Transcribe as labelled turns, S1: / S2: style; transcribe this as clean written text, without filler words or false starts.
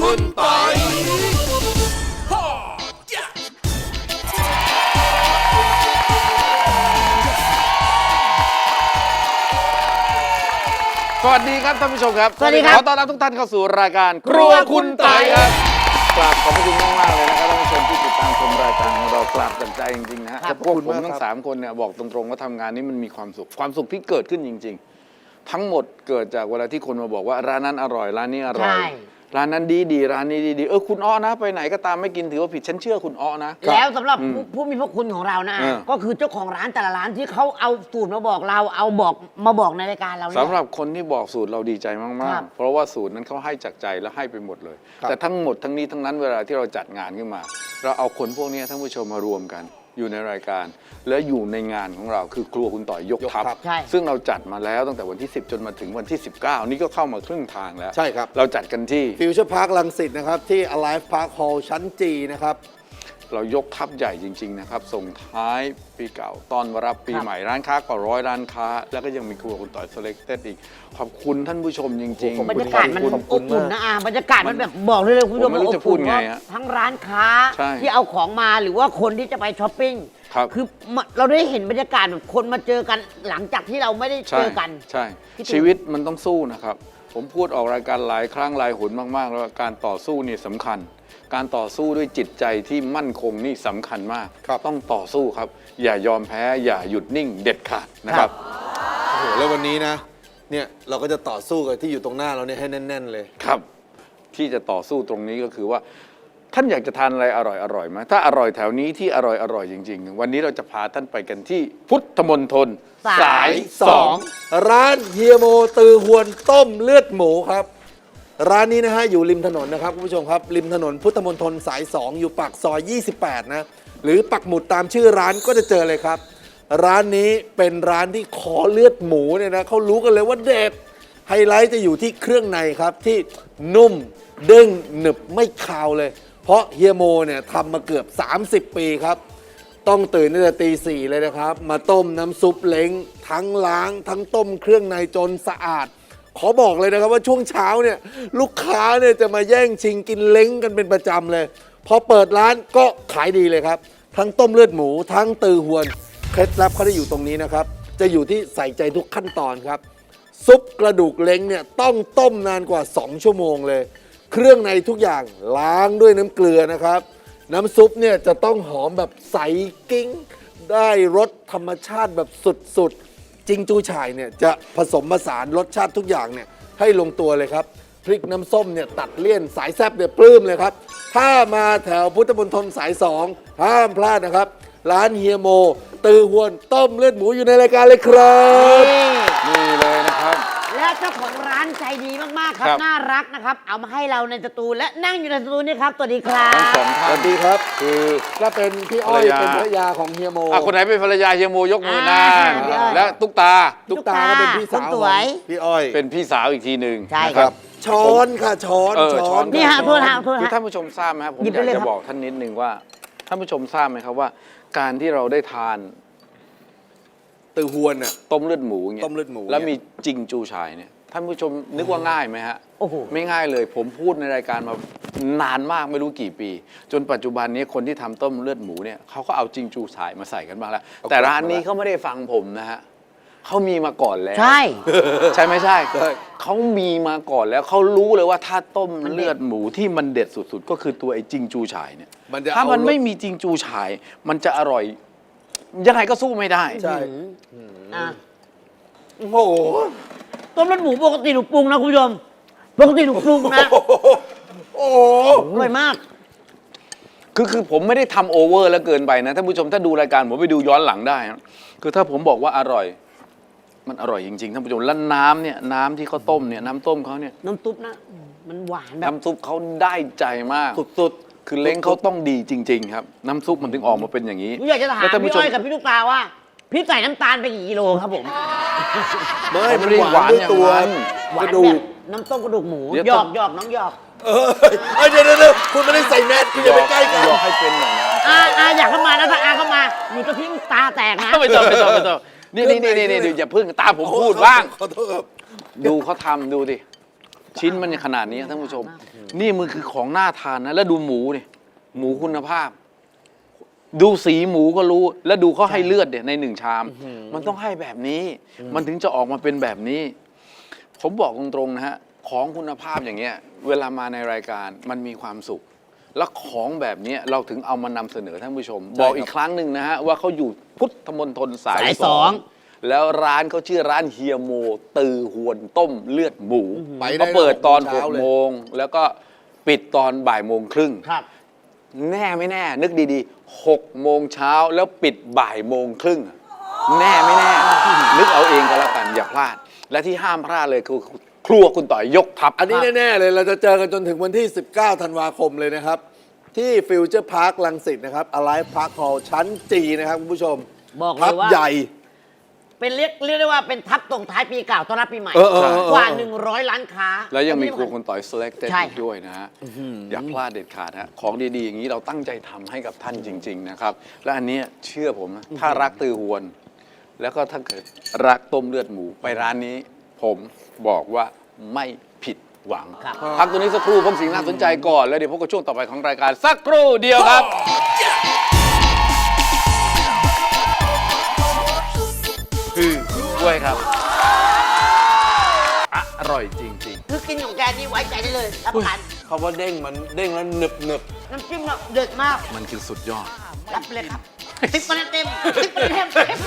S1: คุณปอย
S2: สวัสดีครับท่านผู้ชมครับ
S3: สวัสดีครับ
S2: ขอต้อนรับทุกท่านเข้าสู่รายการครัวคุณไต่ครับกราบขอบพระคุณมากๆเลยนะครับท่านผู้ชมที่ติดตามชมรายการของเรากราบจากใจจริงๆนะฮะพวกผมทั้ง3คนเนี่ยบอกตรงๆว่าทำงานนี้มันมีความสุขที่เกิดขึ้นจริงๆทั้งหมดเกิดจากเวลาที่คนมาบอกว่าร้านนั้นอร่อยร้านนี้อร่อยร้านนั้นดีร้านนี้ดีคุณอ้อนะไปไหนก็ตามไม่กินถือว่าผิดฉันเชื่อคุณอ้อนะ
S3: แล้วสำหรับผู้มีพระคุณของเรานะก็คือเจ้าของร้านแต่ละร้านที่เขาเอาสูตรมาบอกเรามาบอกในรายการเรา
S2: สำหรับคนที่บอกสูตรเราดีใจมากๆเพราะว่าสูตรนั้นเขาให้จากใจแล้วให้ไปหมดเลยแต่ทั้งหมดทั้งนี้ทั้งนั้นเวลาที่เราจัดงานขึ้นมาเราเอาคนพวกนี้ท่านผู้ชมมารวมกันอยู่ในรายการและอยู่ในงานของเราคือครัวคุณต่อยยกทัพซึ่งเราจัดมาแล้วตั้งแต่วันที่10จนมาถึงวันที่19นี่ก็เข้ามาครึ่งทางแล้ว
S1: ใช่ครับ
S2: เราจัดกันที่
S1: ฟิวเจอร์พาร์ครังสิตนะครับที่ Alive Park Hall ชั้นจีนะครับ
S2: เรายกทัพใหญ่จริงๆนะครับส่งท้ายปีเก่าตอนรับปีใหม่ร้านค้ากว่า100ร้านค้าแล้วก็ยังมีครัวคุณต่อย Selected อีกขอบคุณท่านผู้ชมจริงๆ
S3: บรรยากาศมันอบอุ่นนะบรรยากาศมันแบบบอกเลยคุณผู้ชม
S2: ไม่รู้จะพูดไงฮะ
S3: ทั้งร้านค้าที่เอาของมาหรือว่าคนที่จะไปช้อปปิ้งคือเราได้เห็นบรรยากาศแบบคนมาเจอกันหลังจากที่เราไม่ได้เจอกัน
S2: ใช่ชีวิตมันต้องสู้นะครับผมพูดออกรายการหลายครั้งหลายหนมากๆแล้วการต่อสู้นี่สำคัญการต่อสู้ด้วยจิตใจที่มั่นคงนี่สำคัญมากต้องต่อสู้ครับอย่ายอมแพ้อย่าหยุดนิ่งเด็ดขาดนะครับ
S1: โอ้โหแล้ววันนี้นะเนี่ยเราก็จะต่อสู้กับที่อยู่ตรงหน้าเราเนี่ยให้แน่นๆเลย
S2: ครับที่จะต่อสู้ตรงนี้ก็คือว่าท่านอยากจะทานอะไรอร่อยไหมถ้าอร่อยแถวนี้ที่อร่อยจริงๆวันนี้เราจะพาท่านไปกันที่พุทธมณฑลสาย2
S1: ร้านเฮียโมตือหวนต้มเลือดหมูครับร้านนี้นะฮะอยู่ริมถนนนะครับคุณผู้ชมครับริมถนนพุทธมณฑลสาย2อยู่ปากซอย28นะหรือปักหมุดตามชื่อร้านก็จะเจอเลยครับร้านนี้เป็นร้านที่ขอเลือดหมูเนี่ยนะเขารู้กันเลยว่าเด็ดไฮไลท์จะอยู่ที่เครื่องในครับที่นุ่มเด้งหนึบไม่คาวเลยเพราะเฮียโมเนี่ยทำมาเกือบ30ปีครับต้องตื่นตั้งแต่ตี 4เลยนะครับมาต้มน้ำซุปเล้งทั้งล้างทั้งต้มเครื่องในจนสะอาดขอบอกเลยนะครับว่าช่วงเช้าเนี่ยลูกค้าเนี่ยจะมาแย่งชิงกินเล้งกันเป็นประจำเลยพอเปิดร้านก็ขายดีเลยครับทั้งต้มเลือดหมูทั้งตือหวนเคล็ดลับเขาได้อยู่ตรงนี้นะครับจะอยู่ที่ใส่ใจทุกขั้นตอนครับซุปกระดูกเล้งเนี่ยต้องต้มนานกว่า2ชั่วโมงเลยเครื่องในทุกอย่างล้างด้วยน้ำเกลือนะครับน้ำซุปเนี่ยจะต้องหอมแบบใสกิ้งได้รสธรรมชาติแบบสุดๆจิงจูฉ่ายเนี่ยจะผสมผสานรสชาติทุกอย่างเนี่ยให้ลงตัวเลยครับพริกน้ำส้มเนี่ยตัดเลี่ยนสายแซ่บเนี่ยปลื้มเลยครับถ้ามาแถวพุทธมณฑลสาย2ห้ามพลาดนะครับร้านเฮียโมตือหวนต้มเลือดหมูอยู่ในรายการเลยครับ
S2: นี่เลยนะครับ
S3: และเจ้าของร้านใจดีมากๆครับน่ารักนะครับเอามาให้เราในสตูและนั่งอยู่ในสตูนี่ครับสวัสดีครับ
S2: ทั้งสองท่าน
S1: สวัสดีครับคือก็เป็นพี่อ้อยเป็นภรรยาของเฮียโม
S2: คนไหนเป็นภรรยาเฮียโมยกมือหน้าและตุ๊กตา
S1: ก็เป็นพี่สาวของพี่อ้อย
S2: เป็นพี่สาวอีกทีหนึ่ง
S3: ใช่ครับ
S1: ช้อนค่ะช้อน
S3: นี่ฮะโทษฮะ
S2: คือท่านผู้ชมทราบไหมครับผมอยากจะบอกท่านนิดนึงว่าท่านผู้ชมทราบไหมครับว่าการที่เราได้ทาน
S1: ตือหวนน่ะ
S2: ต้มเลือดหมูเงี้ยแล้วมีจิงจูฉ่ายเนี่ยท่านผู้ชมนึกว่าง่ายไหมฮะ
S3: โอ้โห
S2: ไม่ง่ายเลยผมพูดในรายการมานานมากไม่รู้กี่ปีจนปัจจุบันนี้คนที่ทำต้มเลือดหมูเนี่ยเขาก็เอาจิงจูฉ่ายมาใส่กันบ้างแล้วแต่ร้านนี้เขาไม่ได้ฟังผมนะฮะเขามีมาก่อนแล้ว
S3: ใช่
S2: ใช่ไม่ใช่เขามีมาก่อนแล้วเขารู้เลยว่าถ้าต้มเลือดหมูที่มันเด็ดสุดๆก็คือตัวไอ้จิงจูฉ่ายเนี่ยถ้ามันไม่มีจิงจูฉ่ายมันจะอร่อยยังไงก็สู้ไม่ได้
S1: ใช่
S3: โอ้โหต้มเลือดหมูปกติหนูปรุงนะคุณผู้ชมปกติหนูปรุงนะ
S1: โอ้
S3: อร่อยมาก
S2: คือผมไม่ได้ทำโอเวอร์แล้วเกินไปนะท่านผู้ชมถ้าดูรายการผมไปดูย้อนหลังได้คือถ้าผมบอกว่าอร่อยมันอร่อยจริงๆท่านผู้ชมแล้วน้ำเนี่ยน้ำที่เขาต้มเนี่ยน้ำต้มเขาเนี่ย
S3: น้ำซุปนะมันหวานแบบ
S2: น้ำซุปเขาได้ใจมาก
S1: สุด
S2: ๆคือเล้งเขาต้องดีจริงๆครับน้ำซุปมันถึงออกมาเป็นอย่างนี้
S3: อยากจะถามพี่อ้อยกับพี่ลูกตาว่าพี่ใส่น้ำตาลไปกี่กิโลครับผม
S1: ไม่ได้หวานด้วยตัว
S3: กระดูกน้ำต้มกระดูกหมูหยอกน้องหยอก
S1: เดี๋ยวคุณไม่ได้ใส่แมสคุณอย่าไปใกล้กัน
S2: หยอกให้เป็นหน่อยนะ
S3: อยากเข้ามานะถ้าเข้ามาหนูจะพิ้งตาแตกนะ
S2: ไม่ต้องนี่อย่าพึ่งตาผมพูดบ้าง
S1: ขอโทษครับ
S2: ดูเขาทำดูดิชิ้นมันขนาดนี้ท่านผู้ชม นี่มันคือของน่าทานนะ แล้วดูหมูนี่หมูคุณภาพ ดูสีหมูก็รู้ แล้วดูเขาให้เลือดเนี่ยในหนึ่งชาม มันต้องให้แบบนี้ มันถึงจะออกมาเป็นแบบนี้ ผมบอกตรงๆนะฮะของคุณภาพอย่างเงี้ยเวลามาในรายการมันมีความสุข และของแบบนี้เราถึงเอามานำเสนอท่านผู้ชม บอกอีกครั้งหนึ่งนะฮะว่าเขาอยู่พุทธมณฑลสาย
S3: สอง
S2: แล้วร้านเขาชื่อร้านเฮียโมตือหวนต้มเลือดหมู
S1: ไปได้
S2: เขาเปิดตอน
S1: เช้าเลย
S2: 6 โมงแล้วก็ปิดตอนบ่ายโมงครึ่ง
S3: ครับ
S2: แน่ไม่แน่ นึกดีๆ 6 โมงเช้าแล้วปิดบ่ายโมงครึ่งแน่ไม่แน่ นึกเอาเองก็แล้วกันอย่าพลาด และที่ห้ามพลาดเลยคือครัวคุณต่อยยกทัพ
S1: อันนี้แน่ ๆ เลยเราจะเจอกันจนถึงวันที่ 19 ธันวาคมเลยนะครับ ที่ฟิวเจอร์พาร์คลังสิตนะครับ Alive Park Hall ชั้นจีนะครับคุณผู้ชม
S3: บอกเลย
S1: ทับ
S3: ว่า
S1: ใหญ่
S3: เป็นเรียกได้ว่าเป็นทับตรงท้ายปีเก่าต้อนรับปีใหม่ กว่า 100 ล้านค้า
S2: แล้วยังมีครัวคุณต่อย selected
S3: ใช่
S2: อีกด้วยนะฮะอย่าพลาดเด็ดขาดฮะของดีๆ อย่างนี้เราตั้งใจทำให้กับท่านจริง ๆ นะครับ และอันเนี้ยเชื่อผมนะถ้ารักตือหวน แล้วก็ถ้าเกิดรักต้มเลือดหมูไปร้านนี้ ผมบอกว่าไม่ผิดหวัง
S3: ครับ
S2: พักตัวนี้สักครู่พบสิ่งน่าสนใจก่อนแล้วเดี๋ยวพบกับช่วงต่อไปของรายการสักครู่เดียวครับคือกล้วยครับอร่อยจริง
S3: คือกินของแกนี่ไว้ใจได้เลยรับประกัน
S1: เขาว่าเด้งมันเด้งแล้วหนึบ
S3: น้ำจิ้มเด็ดมาก
S2: ๆ มันคือสุดยอด
S3: รับไปเลยครับ10 คะแนนเต็ม10 คะแนนเต็ม